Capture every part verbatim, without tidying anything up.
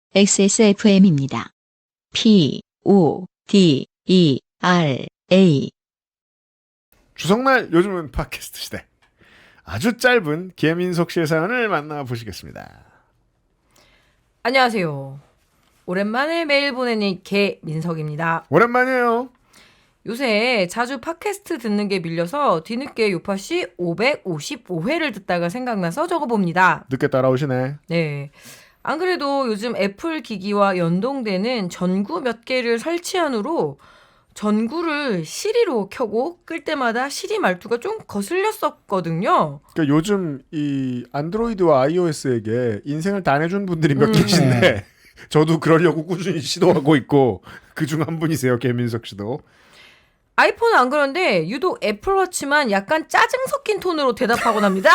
엑스에스에프엠입니다. P, O, D, E, R, A. 주석날 요즘은 팟캐스트 시대. 아주 짧은 김인석 씨의 사연을 만나보시겠습니다. 안녕하세요. 오랜만에 메일 보내는 개민석입니다. 오랜만이에요. 요새 자주 팟캐스트 듣는 게 밀려서 뒤늦게 요파씨 오백오십오 회를 듣다가 생각나서 적어봅니다. 늦게 따라오시네. 네. 안 그래도 요즘 애플 기기와 연동되는 전구 몇 개를 설치한 후로 전구를 시리로 켜고 끌 때마다 시리 말투가 좀 거슬렸었거든요. 그러니까 요즘 이 안드로이드와 iOS에게 인생을 다 내준 분들이 몇 계신데 네. 저도 그러려고 꾸준히 시도하고 있고 그중 한 분이세요. 김민석 씨도. 아이폰은 안 그런데 유독 애플워치만 약간 짜증 섞인 톤으로 대답하곤 합니다.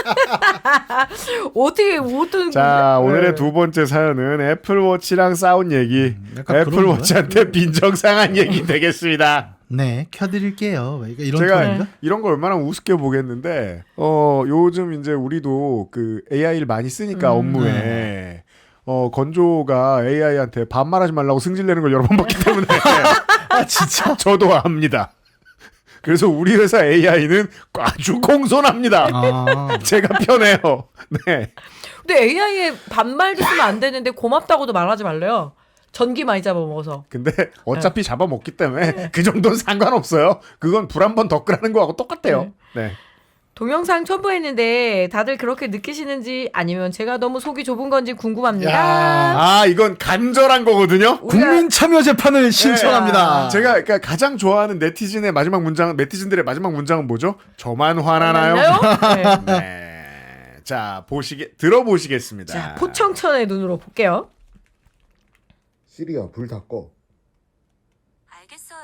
어떻게 어떤 자, 거지? 오늘의 네. 두 번째 사연은 애플워치랑 싸운 얘기. 약간 그런 애플워치한테 빈정상한 얘기 되겠습니다. 네, 켜드릴게요. 그러니까 이런 제가 톤인가? 이런 걸 얼마나 우습게 보겠는데, 어, 요즘 이제 우리도 그 에이아이를 많이 쓰니까 음. 업무에, 네. 어, 건조가 에이아이한테 반말하지 말라고 승질내는 걸 여러 번 봤기 때문에, 아 진짜? 저도 압니다. 그래서 우리 회사 에이아이는 아주 공손합니다. 아, 제가 편해요. 네. 근데 에이아이에 반말도 쓰면 안 되는데 고맙다고도 말하지 말래요. 전기 많이 잡아먹어서. 근데 어차피 잡아먹기 때문에 그 정도는 상관없어요. 그건 불 한 번 더 끄라는 거하고 똑같대요. 네. 동영상 첨부했는데 다들 그렇게 느끼시는지 아니면 제가 너무 속이 좁은 건지 궁금합니다. 야. 아, 이건 간절한 거거든요. 우리가- 국민 참여 재판을 신청합니다. 제가 그러니까 가장 좋아하는 네티즌의 마지막 문장, 네티즌들의 마지막 문장은 뭐죠? 저만 화나나요? 맞나요? 네. 네. 자, 보시게 들어보시겠습니다. 자, 포청천의 눈으로 볼게요. 시리야, 불 다 꺼. 알겠어요.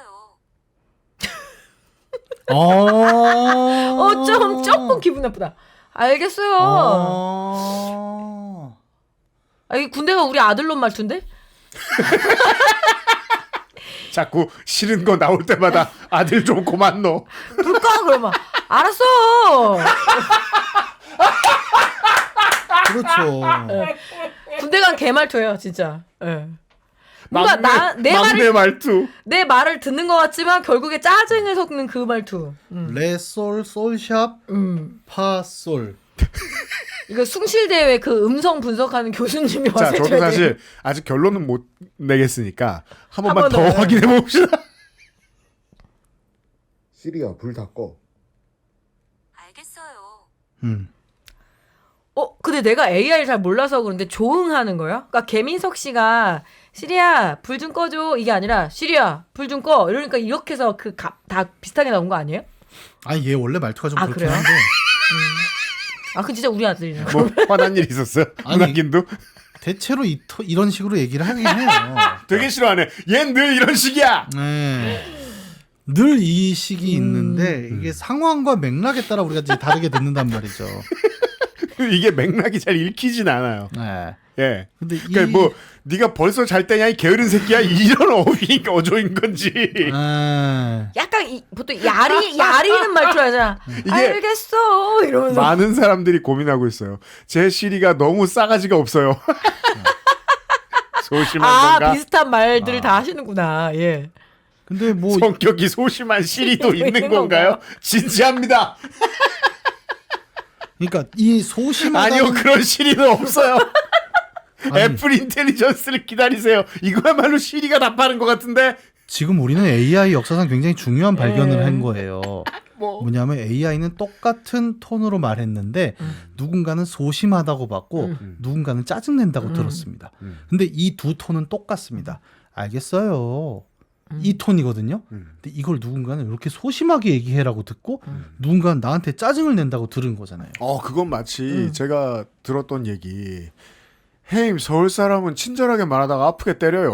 어, 어, 좀 조금 기분 나쁘다. 알겠어요. 어. 아, 이 군대가 우리 아들놈 말투인데? 자꾸 싫은 거 나올 때마다 아들 좀 고만 넣어. 불 꺼! 그러면 알았어. 그렇죠. 군대 간 개말투예요, 진짜. 예. 뭔가 막내, 나, 내 막내 말을 말투. 내 말을 듣는 것 같지만 결국에 짜증을 섞는 그 말투. 음. 레솔 솔샵 음. 파솔. 이거 숭실대회 그 음성 분석하는 교수님이 자, 와서 저도 해줘야 사실 돼요. 아직 결론은 못 내겠으니까 한 한 번만 번 더 더. 확인해 봅시다. 시리야, 불 다 꺼. 알겠어요. 음. 어, 근데 내가 에이아이를 잘 몰라서 그런데 조응하는 거야? 그러니까 개민석 씨가 시리야 불 좀 꺼줘 이게 아니라 시리야 불 좀 꺼 이러니까 이렇게 해서 그 다 비슷하게 나온 거 아니에요? 아니 얘 원래 말투가 좀 아, 그렇긴 그래요? 한데 아, 그 진짜 우리 아들이네. 뭐 화난 일 있었어요? 아니. 문학인도 대체로 이, 토- 이런 식으로 얘기를 하긴 해요. 되게 싫어하네. 얜 늘 이런 식이야. 네. 늘 이 식이 음. 있는데 이게 상황과 맥락에 따라 우리가 이제 다르게 듣는단 말이죠. 이게 맥락이 잘 읽히진 않아요. 네. 예. 근데 이 그러니까 뭐 네가 벌써 잘 때냐 이 게으른 새끼야 이런 어휘 어조인 건지. 아, 약간 이, 보통 야리 야리는 말투 하잖아. 이게 알겠어 이러면서. 많은 사람들이 고민하고 있어요. 제 시리가 너무 싸가지가 없어요. 소심한 아, 건가? 비슷한 말들을 아. 다 하시는구나. 예. 근데 뭐 성격이 소심한 시리도 있는 있는 건가요? 건가요? 진지합니다. 그러니까 이 소심하다는 아니요, 그런 시리는 없어요. 아니, 애플 인텔리전스를 기다리세요. 이거야말로 시리가 답하는 것 같은데. 지금 우리는 에이아이 역사상 굉장히 중요한 발견을 네. 한 거예요. 뭐. 뭐냐면 에이아이는 똑같은 톤으로 말했는데 음. 누군가는 소심하다고 봤고 음. 누군가는 짜증낸다고 음. 들었습니다. 음. 근데 이 두 톤은 똑같습니다. 알겠어요. 음. 이 톤이거든요. 음. 근데 이걸 누군가는 이렇게 소심하게 얘기해라고 듣고 음. 누군가는 나한테 짜증을 낸다고 들은 거잖아요. 어, 그건 마치 음. 제가 들었던 얘기. 헤임, 서울 사람은 친절하게 말하다가 아프게 때려요.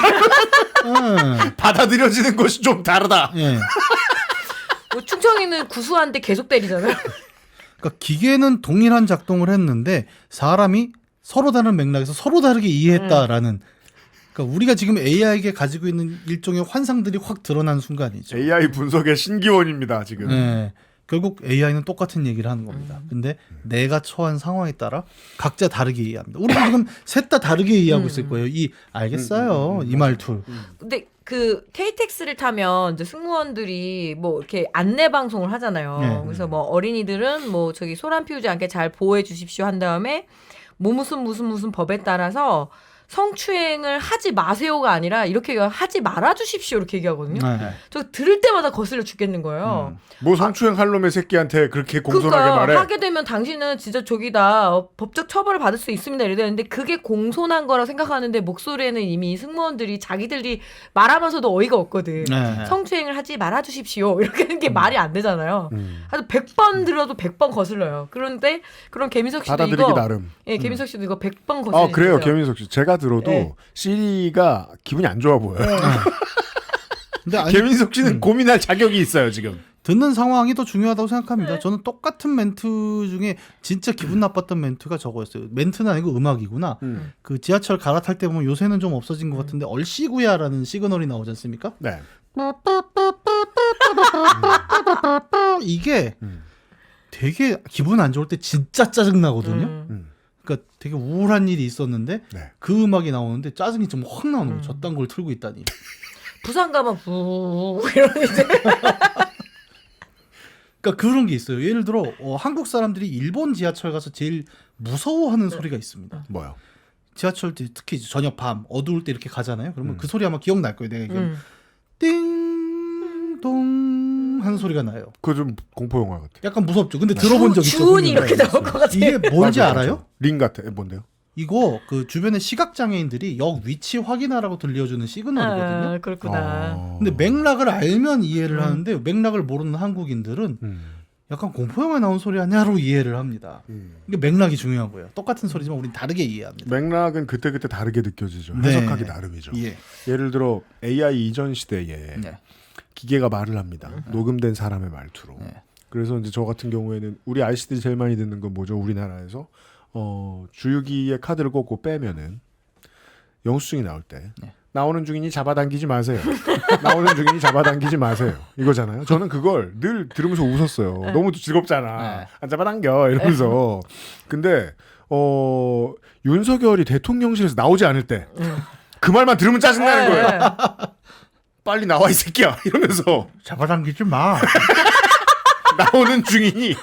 예. 받아들여지는 것이 좀 다르다. 예. 뭐 충청이는 구수한데 계속 때리잖아요. 그러니까 기계는 동일한 작동을 했는데 사람이 서로 다른 맥락에서 서로 다르게 이해했다라는. 그러니까 우리가 지금 에이아이에게 가지고 있는 일종의 환상들이 확 드러난 순간이죠. 에이아이 분석의 신기원입니다, 지금. 예. 결국 에이아이는 똑같은 얘기를 하는 겁니다. 음. 근데 내가 처한 상황에 따라 각자 다르게 이해합니다. 우리도 지금 셋 다 다르게 이해하고 음. 있을 거예요. 이 알겠어요. 음, 음, 음, 이 말투. 근데 그 케이티엑스를 타면 이제 승무원들이 뭐 이렇게 안내 방송을 하잖아요. 네. 그래서 뭐 어린이들은 뭐 저기 소란 피우지 않게 잘 보호해 주십시오 한 다음에 뭐 무슨 무슨 무슨 법에 따라서 성추행을 하지 마세요가 아니라 이렇게 하지 말아 주십시오 이렇게 얘기하거든요. 네. 저 들을 때마다 거슬려 죽겠는 거예요. 음. 뭐 성추행 할 놈의 새끼한테 그렇게 공손하게 그러니까요. 말해. 하게 되면 당신은 진짜 저기다 어, 법적 처벌을 받을 수 있습니다. 이러는데 그게 공손한 거라 생각하는데 목소리에는 이미 승무원들이 자기들이 말하면서도 어이가 없거든. 네. 성추행을 하지 말아주십시오. 이렇게 하는 게 말이 안 되잖아요. 음. 하여튼 백 번 들어도 백 번 거슬려요. 그런데 그런 개민석 씨도 받아들이기 이거 나름. 예, 개민석 씨도 이거 백 번 거슬리죠. 아 그래요, 김민석 씨. 제가 들어도 네. 시리가 기분이 안 좋아 보여요. 근데 아니, 김민석 씨는 음. 고민할 자격이 있어요 지금. 듣는 상황이 더 중요하다고 생각합니다. 저는 똑같은 멘트 중에 진짜 기분 나빴던 멘트가 저거였어요. 멘트는 아니고 음악이구나. 음. 그 지하철 갈아탈 때 보면 요새는 좀 없어진 것 같은데 얼씨구야라는 시그널이 나오지 않습니까? 네. 이게 음. 되게 기분 안 좋을 때 진짜 짜증 나거든요. 음. 음. 그러니까 되게 우울한 일이 있었는데 네. 그 음악이 나오는데 짜증이 좀 확 나오는 거예요. 음. 저딴 걸 틀고 있다니. 부산 가면 부 이러는 이제 그러니까 그런 게 있어요. 예를 들어 어, 한국 사람들이 일본 지하철 가서 제일 무서워하는 소리가 있습니다. 뭐요? 지하철 때 특히 이제 저녁 밤 어두울 때 이렇게 가잖아요. 그러면 음. 그 소리 아마 기억날 거예요. 내가 기억. 음. 띵동 하는 소리가 나요. 그거 좀 공포 영화 같아. 약간 무섭죠. 근데 들어본 적 있죠. 주운이 분명히. 이렇게 나올 것 같아요. 이게 뭔지 맞아요, 알아요? 맞아요. 링 같아. 뭔데요? 이거 그 주변에 시각 장애인들이 역 위치 확인하라고 들려주는 시그널이거든요. 아, 그렇구나. 어. 근데 맥락을 알면 이해를 음. 하는데 맥락을 모르는 한국인들은 음. 약간 공포 영화에 나온 소리 아니야로 이해를 합니다. 음. 이게 맥락이 중요한 거예요. 똑같은 소리지만 우린 다르게 이해합니다. 맥락은 그때 그때 다르게 느껴지죠. 네. 해석하기 나름이죠. 예. 예를 들어 에이아이 이전 시대에 네. 기계가 말을 합니다. 녹음된 사람의 말투로. 네. 그래서 이제 저 같은 경우에는 우리 아이씨들이 제일 많이 듣는 건 뭐죠? 우리나라에서 어, 주유기에 카드를 꽂고 빼면은 영수증이 나올 때 네. 나오는 중이니 잡아당기지 마세요. 나오는 중이니 잡아당기지 마세요. 이거잖아요. 저는 그걸 늘 들으면서 웃었어요. 네. 너무 즐겁잖아. 네. 안 잡아당겨 이러면서. 근데 어, 윤석열이 대통령실에서 나오지 않을 때 그 말만 들으면 짜증나는 거예요. 네. 빨리 나와 이 새끼야 이러면서 잡아당기지 마. 나오는 중이니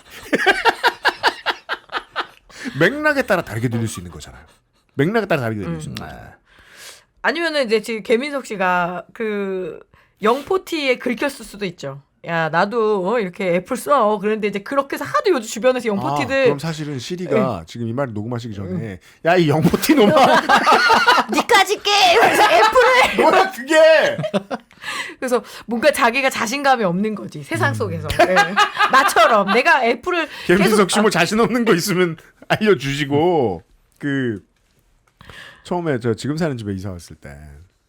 맥락에 따라 다르게 들릴 수 있는 거잖아요. 맥락에 따라 다르게 들릴 수 있는 거잖아요. 아니면은 이제 지금 개민석 씨가 그 영포티에 긁혔을 수도 있죠. 야 나도 어, 이렇게 애플 써. 그런데 이제 그렇게 해서 하도 요즘 주변에서 아, 영포티들 그럼 사실은 시리가 지금 이 말 녹음하시기 전에 야 이 영포티 놈아 니까지 깨. 그래서 애플을 뭐야 그게 그래서 뭔가 자기가 자신감이 없는 거지 음. 세상 속에서 예. 나처럼 내가 애플을 김민석 씨 뭐 자신 없는 거 있으면 알려주시고 그 처음에 저 지금 사는 집에 이사 왔을 때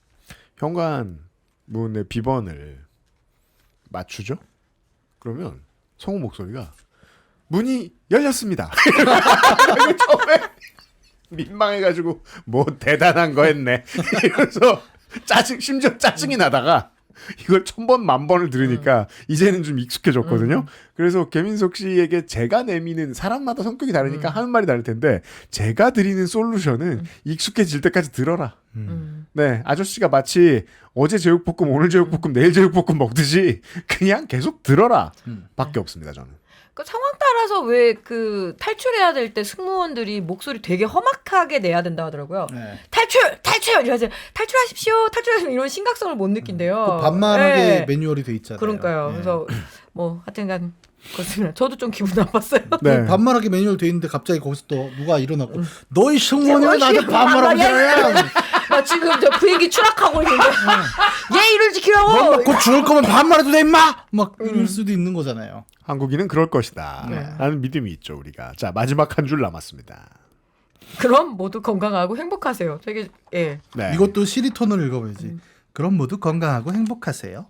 현관문의 비번을 맞추죠? 그러면 성우 목소리가 문이 열렸습니다. 그리고 처음에 민망해가지고 뭐 대단한 거 했네. 이러면서 짜증 심지어 짜증이 나다가 이걸 천 번 만 번을 들으니까 이제는 좀 익숙해졌거든요. 그래서 개민석 씨에게 제가 내미는 사람마다 성격이 다르니까 음. 하는 말이 다를 텐데 제가 드리는 솔루션은 익숙해질 때까지 들어라. 음. 네, 아저씨가 마치 어제 제육볶음, 오늘 제육볶음, 내일 제육볶음 먹듯이 그냥 계속 들어라. 음. 밖에 없습니다, 저는. 그 상황 따라서 왜 그 탈출해야 될 때 승무원들이 목소리 되게 험악하게 내야 된다 하더라고요. 네. 탈출! 탈출! 이러지 탈출하십시오! 탈출하십시오! 이런 심각성을 못 느낀대요. 그 반말하게 네. 매뉴얼이 돼 있잖아요. 그러니까요. 네. 그래서 뭐 하여튼간 그렇습니다. 저도 좀 기분 나빴어요. 네. 반말하게 매뉴얼 돼 있는데 갑자기 거기서 또 누가 일어났고 음. 너희 승무원이 왜 나한테 반말하고 그래? 나 지금 저 비행기 추락하고 있는데 예의를 지키라고. 너곧 죽을 거면 반말해도 돼 임마. 막 이럴 음. 수도 있는 거잖아요. 한국인은 그럴 것이다. 네. 라는 믿음이 있죠, 우리가. 자, 마지막 한 줄 남았습니다. 그럼 모두 건강하고 행복하세요. 되게 예. 네. 이것도 시리톤을 읽어봐야지. 음. 그럼 모두 건강하고 행복하세요.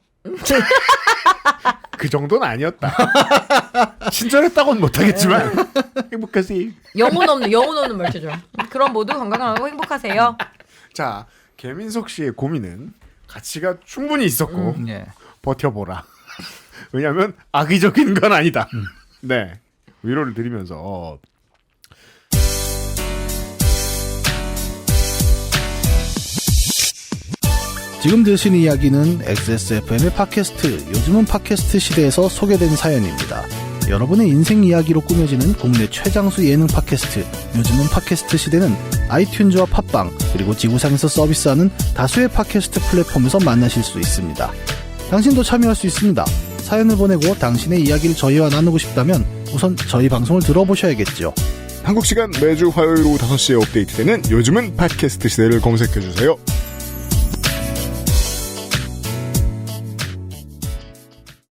그 정도는 아니었다. 친절했다고는 못하겠지만 행복하세요. 영혼 없는 영혼 없는 말투죠. 그럼 모두 건강하고 행복하세요. 자, 개민석 씨의 고민은 가치가 충분히 있었고 예. 버텨보라. 왜냐하면 악의적인 건 아니다. 음. 네. 위로를 드리면서 지금 들으신 이야기는 엑스에스에프엠의 팟캐스트, 요즘은 팟캐스트 시대에서 소개된 사연입니다. 여러분의 인생 이야기로 꾸며지는 국내 최장수 예능 팟캐스트, 요즘은 팟캐스트 시대는 아이튠즈와 팟빵, 그리고 지구상에서 서비스하는 다수의 팟캐스트 플랫폼에서 만나실 수 있습니다. 당신도 참여할 수 있습니다. 사연을 보내고 당신의 이야기를 저희와 나누고 싶다면 우선 저희 방송을 들어보셔야겠죠. 한국 시간 매주 화요일 오후 다섯 시에 업데이트되는 요즘은 팟캐스트 시대를 검색해주세요.